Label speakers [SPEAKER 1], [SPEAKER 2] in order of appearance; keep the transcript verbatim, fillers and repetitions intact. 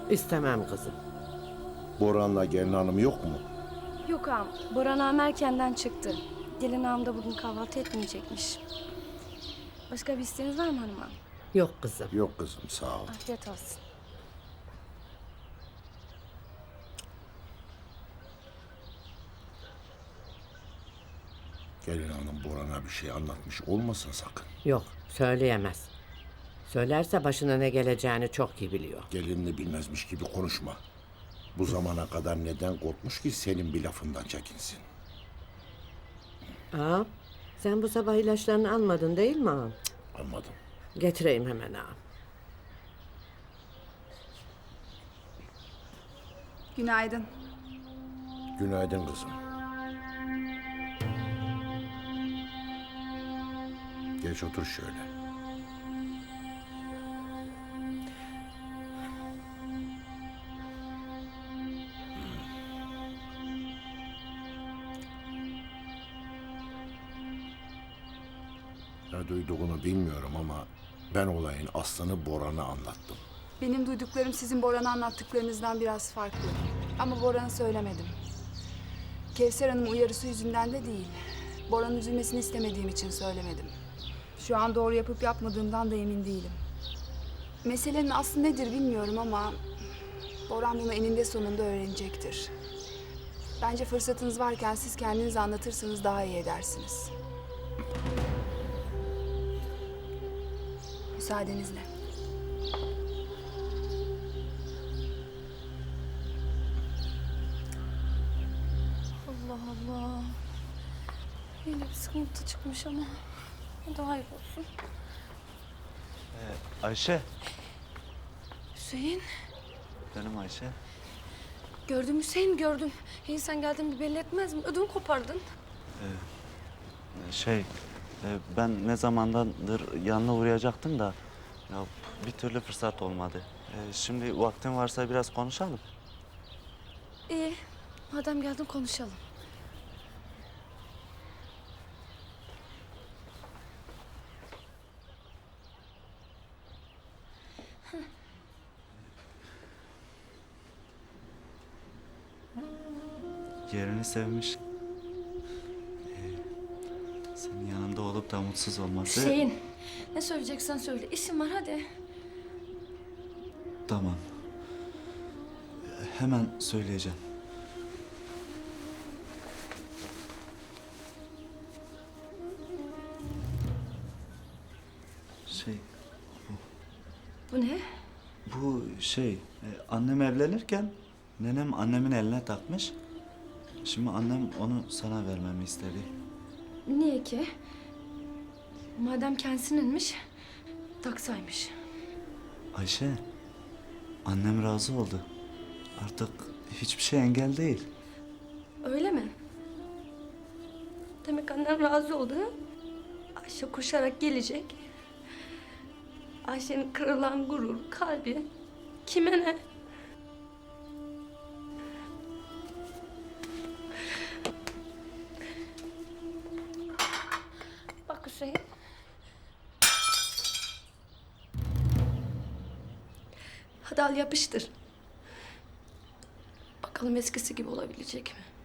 [SPEAKER 1] İstemem kızım.
[SPEAKER 2] Boran'la gelin hanım yok mu?
[SPEAKER 3] Yok ağam, Boran ağam erkenden çıktı. Gelin ağam da bugün kahvaltı etmeyecekmiş. Başka bir isteğiniz var mı hanım ağam?
[SPEAKER 1] Yok kızım.
[SPEAKER 2] Yok kızım, sağ ol.
[SPEAKER 3] Afiyet olsun.
[SPEAKER 2] Gelin hanım Boran'a bir şey anlatmış olmasın sakın.
[SPEAKER 1] Yok, söyleyemez. Söylerse başına ne geleceğini çok iyi biliyor.
[SPEAKER 2] Gelinini bilmezmiş gibi konuşma. Bu zamana kadar neden korkmuş ki senin bir lafından çekinsin?
[SPEAKER 1] Ağam, sen bu sabah ilaçlarını almadın değil mi ağam?
[SPEAKER 2] Anladım.
[SPEAKER 1] Getireyim hemen ağam.
[SPEAKER 4] Günaydın.
[SPEAKER 2] Günaydın kızım. Geç otur şöyle. Ne duyduğunu bilmiyorum ama ben olayın aslını Boran'a anlattım.
[SPEAKER 4] Benim duyduklarım sizin Boran'a anlattıklarınızdan biraz farklı. Ama Boran'a söylemedim. Kevser Hanım uyarısı yüzünden de değil. Boran'ın üzülmesini istemediğim için söylemedim. Şu an doğru yapıp yapmadığımdan da emin değilim. Meselenin aslı nedir bilmiyorum ama Boran bunu eninde sonunda öğrenecektir. Bence fırsatınız varken siz kendiniz anlatırsanız daha iyi edersiniz. Müsaadenizle.
[SPEAKER 3] Allah Allah. Yine bir sıkıntı çıkmış ama. Daha iyi olsun.
[SPEAKER 5] Ayşe.
[SPEAKER 3] Hüseyin.
[SPEAKER 5] Benim Ayşe.
[SPEAKER 3] Gördüm Hüseyin, gördüm. İyi sen geldin bir belli etmez mi? Ödümü kopardın.
[SPEAKER 5] Şey, e, ben ne zamandandır yanına uğrayacaktım da ya bir türlü fırsat olmadı. E, şimdi vaktin varsa biraz konuşalım.
[SPEAKER 3] İyi. Madem geldin konuşalım.
[SPEAKER 5] Yerini sevmiş. E, senin yanında olup da mutsuz olması...
[SPEAKER 3] Hüseyin. Ne söyleyeceksen söyle. İşim var hadi.
[SPEAKER 5] Tamam. Hemen söyleyeceğim. Şey,
[SPEAKER 3] Bu ne?
[SPEAKER 5] bu şey, e, annem evlenirken nenem annemin eline takmış. Şimdi annem onu sana vermemi istedi.
[SPEAKER 3] Niye ki? Madem kendisininmiş, taksaymış.
[SPEAKER 5] Ayşe, annem razı oldu. Artık hiçbir şey engel değil.
[SPEAKER 3] Öyle mi? Demek annem razı oldu ha? Ayşe koşarak gelecek. Ayşe'nin kırılan gurur, kalbi kime ne? Bak Hüseyin. Hadi al yapıştır. Bakalım eskisi gibi olabilecek mi?